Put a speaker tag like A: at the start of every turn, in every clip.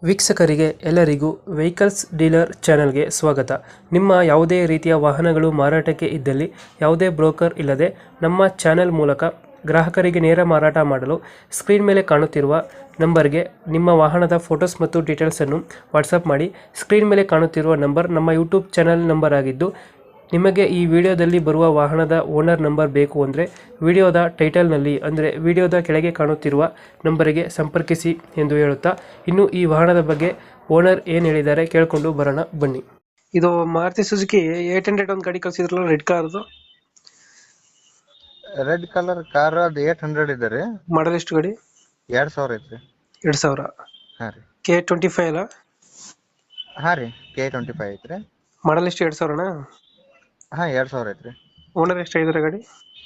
A: ವೀಕ್ಷಕರಿಗೆ ಎಲ್ಲರಿಗೂ vehicles dealer ಚಾನೆಲ್ಗೆ ಸ್ವಾಗತ. ನಿಮ್ಮ ಯಾವುದೇ ರೀತಿಯ ವಾಹನಗಳು ಮಾರಾಟಕ್ಕೆ ಇದ್ದಲ್ಲಿ ಯಾವುದೇ ಬ್ರೋಕರ್ ಇಲ್ಲದೆ ನಮ್ಮ ಚಾನೆಲ್ ಮೂಲಕ ಗ್ರಾಹಕರಿಗೆ ನೇರ ಮಾರಾಟ ಮಾಡಲು ಸ್ಕ್ರೀನ್ ಮೇಲೆ ಕಾಣುತ್ತಿರುವ ನಂಬರ್ಗೆ ನಿಮ್ಮ ವಾಹನದ ಫೋಟೋಸ್ ಮತ್ತು ಡೀಟೇಲ್ಸನ್ನು ವಾಟ್ಸಪ್ ಮಾಡಿ. ಸ್ಕ್ರೀನ್ ಮೇಲೆ ಕಾಣುತ್ತಿರುವ ನಂಬರ್ ನಮ್ಮ ಯೂಟ್ಯೂಬ್ ಚಾನೆಲ್ ನಂಬರ್ ಆಗಿದ್ದು, ನಿಮಗೆ ಈ ವಿಡಿಯೋದಲ್ಲಿ ಬರುವ ವಾಹನದ ಓನರ್ ನಂಬರ್ ಬೇಕು ಅಂದರೆ ವಿಡಿಯೋದ ಟೈಟಲ್ನಲ್ಲಿ ಅಂದರೆ ವಿಡಿಯೋದ ಕೆಳಗೆ ಕಾಣುತ್ತಿರುವ ನಂಬರಿಗೆ ಸಂಪರ್ಕಿಸಿ ಎಂದು ಹೇಳುತ್ತಾ, ಇನ್ನು ಈ ವಾಹನದ ಬಗ್ಗೆ ಓನರ್ ಏನು ಹೇಳಿದ್ದಾರೆ ಕೇಳಿಕೊಂಡು ಬರೋಣ ಬನ್ನಿ. ಇದು ಮಾರುತಿ ಸುಜುಕಿ 800 ಒಂದು ಗಾಡಿ ಕಳಿಸಿದ್ರಲ್ಲ, ರೆಡ್ ಕಾರ್ದು.
B: ರೆಡ್ ಕಲರ್ ಕಾರ್ ಅದು 800 ಇದೆ ರೀ.
A: ಮಾಡಲ್ ಎಷ್ಟು ಗಾಡಿ?
B: 2000 ಐತ್ರಿ.
A: 2000.
B: ಹಾ ರೀ.
A: K25 ಅಲ್ಲ?
B: ಹಾ ರೀ, K25 ಐತ್ರಿ.
A: ಮಾಡಲ್ ಎಷ್ಟು? 2000ನಾ?
B: ಹಾ, 2000 ಐತ್ರಿ.
A: ಓನರ್ ಎಷ್ಟು ಆಗಿದ್ದಾರೆ ಗಾಡಿ?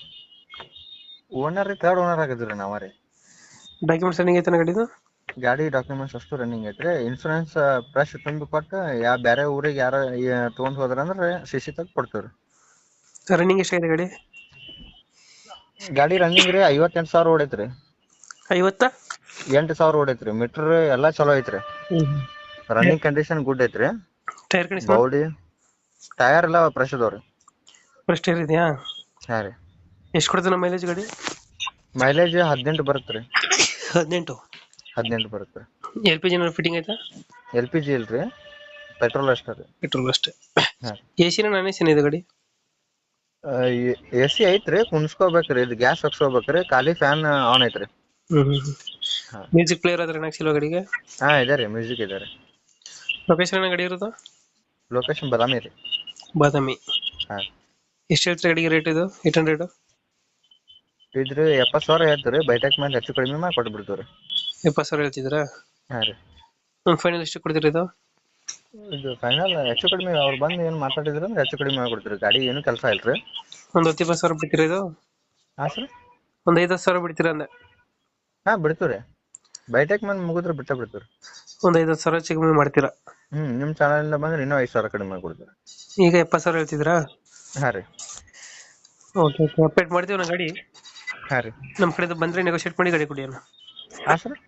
B: ಓನರ್ ಥರ್ಡ್ ಓನರ್ ಆಗಿದ್ರಿ ನಾವ ರೀ.
A: ಡಾಕ್ಯುಮೆಂಟ್ಸ್ ರನ್ನಿಂಗ್ ಐತೆ ಗಾಡಿದು?
B: ಗಾಡಿ ಡಾಕ್ಯುಮೆಂಟ್ಸ್ ಅಷ್ಟು ರನ್ನಿಂಗ್ ಐತ್ರಿ. ಇನ್ಶೂರೆನ್ಸ್ ಫ್ರೆಶ್ ತುಂಬಿ ಕೊಟ್ಟು ಬೇರೆ ಊರಿಗೆ ಯಾರ ತಗೊಂಡ್ ಹೋದ್ರಂದ್ರೆ CC ತಗ ಕೊಡ್ತೀವ್ರಿ.
A: ರನ್ನಿಂಗ್ ಎಷ್ಟಾಗಿದೆ ಗಾಡಿ?
B: ಗಾಡಿ ರನ್ನಿಂಗ್ ರೀ 58,000 ಓಡೈತ್ರಿ. 8,000 ಓಡೈತ್ರಿ. ಮೀಟರ್ ಎಲ್ಲಾ ಚಲೋ ಐತ್ರಿ. ರನ್ನಿಂಗ್ ಕಂಡೀಷನ್ ಗುಡ್ ಐತ್ರಿ.
A: Tyre condition?
B: ಬಾಡಿ ಟೈರ್ ಎಲ್ಲ ಫ್ರೆಶ್ ಅದಾವ್ರಿ.
A: ಫ್ರೆಶ್ ಟೈರ್ ಇದೆಯಾ?
B: ಹಾ ರೀ.
A: ಎಷ್ಟು ಕೊಡ್ತದೆ ನಮ್ಮ ಮೈಲೇಜ್ ಗಾಡಿ?
B: ಮೈಲೇಜ್ 18 ಬರುತ್ತ್ರಿ.
A: 18
B: ಬರುತ್ತೆ.
A: LPG ಫಿಟ್ಟಿಂಗ್ ಐತಾ?
B: LPG ಇಲ್ರಿ, ಪೆಟ್ರೋಲ್ ಅಷ್ಟೇ ರೀ.
A: ಪೆಟ್ರೋಲ್ ಅಷ್ಟೇ.
B: ಹಾ.
A: AC ನ ನಾನ್ AC ಇದೆ ಗಾಡಿ?
B: AC ಐತ್ರಿ, ಕುಣಿಸ್ಕೋಬೇಕ್ರಿ. ಇದು ಗ್ಯಾಸ್ ಹಾಕ್ಸ್ಕೋಬೇಕ್ರಿ. ಖಾಲಿ ಫ್ಯಾನ್ ಆನ್ ಐತ್ರಿ. ಹಾ.
A: ಮ್ಯೂಸಿಕ್ ಪ್ಲೇಯರ್ ಅದ್ರ ಹಾಕ್ಸಿಲ್ವ ಗಾಡಿಗೆ?
B: ಹಾ ಇದೆ ರೀ, ಮ್ಯೂಸಿಕ್ ಇದೆ ರೀ.
A: ಲೊಕೇಶನ್ ಗಾಡಿ ಇರೋದು?
B: ಲೊಕೇಶನ್ ಬಾದಾಮಿ ರೀ.
A: ಬಾದಾಮಿ.
B: ಹಾ.
A: ಎಷ್ಟು ಹೇಳ್ತೀರಿ ಗಾಡಿಗೆ ರೇಟ್ ಇದು? 800?
B: ಇದ್ರಿ 70,000 ಹೇಳ್ತೀರಿ. ಬೈಟೆಕ್ ಮೇಲೆ ಹೆಚ್ಚು ಕಡಿಮೆ ಮಾಡಿ ಕೊಟ್ಬಿಡ್ತೀವಿ ರೀ.
A: 70,000 ಹೇಳ್ತಿದ್ದೀರಾ?
B: ಹಾ ರೀ.
A: ಫೈನಲ್ ಎಷ್ಟು ಕೊಡ್ತೀರಿ ಇದು?
B: ಇದು ಫೈನಲ್ ಹೆಚ್ಚು ಕಡಿಮೆ ಅವ್ರು ಬಂದು ಏನು ಮಾತಾಡಿದ್ರು ಅಂದ್ರೆ ಹೆಚ್ಚು ಕಡಿಮೆ ಮಾಡ್ಕೊಡ್ತೀರಿ. ಗಾಡಿ ಏನು ಕೆಲಸ ಇಲ್ರಿ.
A: ಒಂದು 10,000 ಬಿಡ್ತೀರಾ ಇದು?
B: ಹಾ ಸರ್.
A: ಒಂದು 5,000 ಬಿಡ್ತೀರಾ ಅಂದೆ?
B: ಹಾ ಬಿಡ್ತೀವಿ ರೀ. ಬೈಟೆಕ್ ಮೇಲೆ ಮುಗಿದ್ರೆ ಬಿಡ್ತೀವಿ.
A: ಒಂದು 5,000 ಹೆಚ್ಚು ಕಮ್ಮಿ ಮಾಡ್ತೀರಾ?
B: ನಿಮ್ ಚಾನಲ್ ಇಂದ ಬಂದ್ರೆ ಇನ್ನೂ 5,000 ಕಡಿಮೆ ಮಾಡ್ಕೊಡ್ತೀವಿ.
A: ಈಗ 70,000 ಹೇಳ್ತಿದ್ದೀರಾ?
B: ಹಾ ರೀ.
A: ಓಕೆ, ಅಪ್ಡೇಟ್ ಮಾಡ್ತೀವಿ ನಾ ಗಾಡಿ.
B: ಹಾ ರೀ.
A: ನಮ್ಮ ಕಡೆಯಿಂದ ಬಂದ್ರೆ ನೆಗೋಶಿಯೇಟ್ ಮಾಡಿ ಗಾಡಿ ಕೊಡಿ ಅಣ್ಣ.
B: ಹಾ ಸರ್.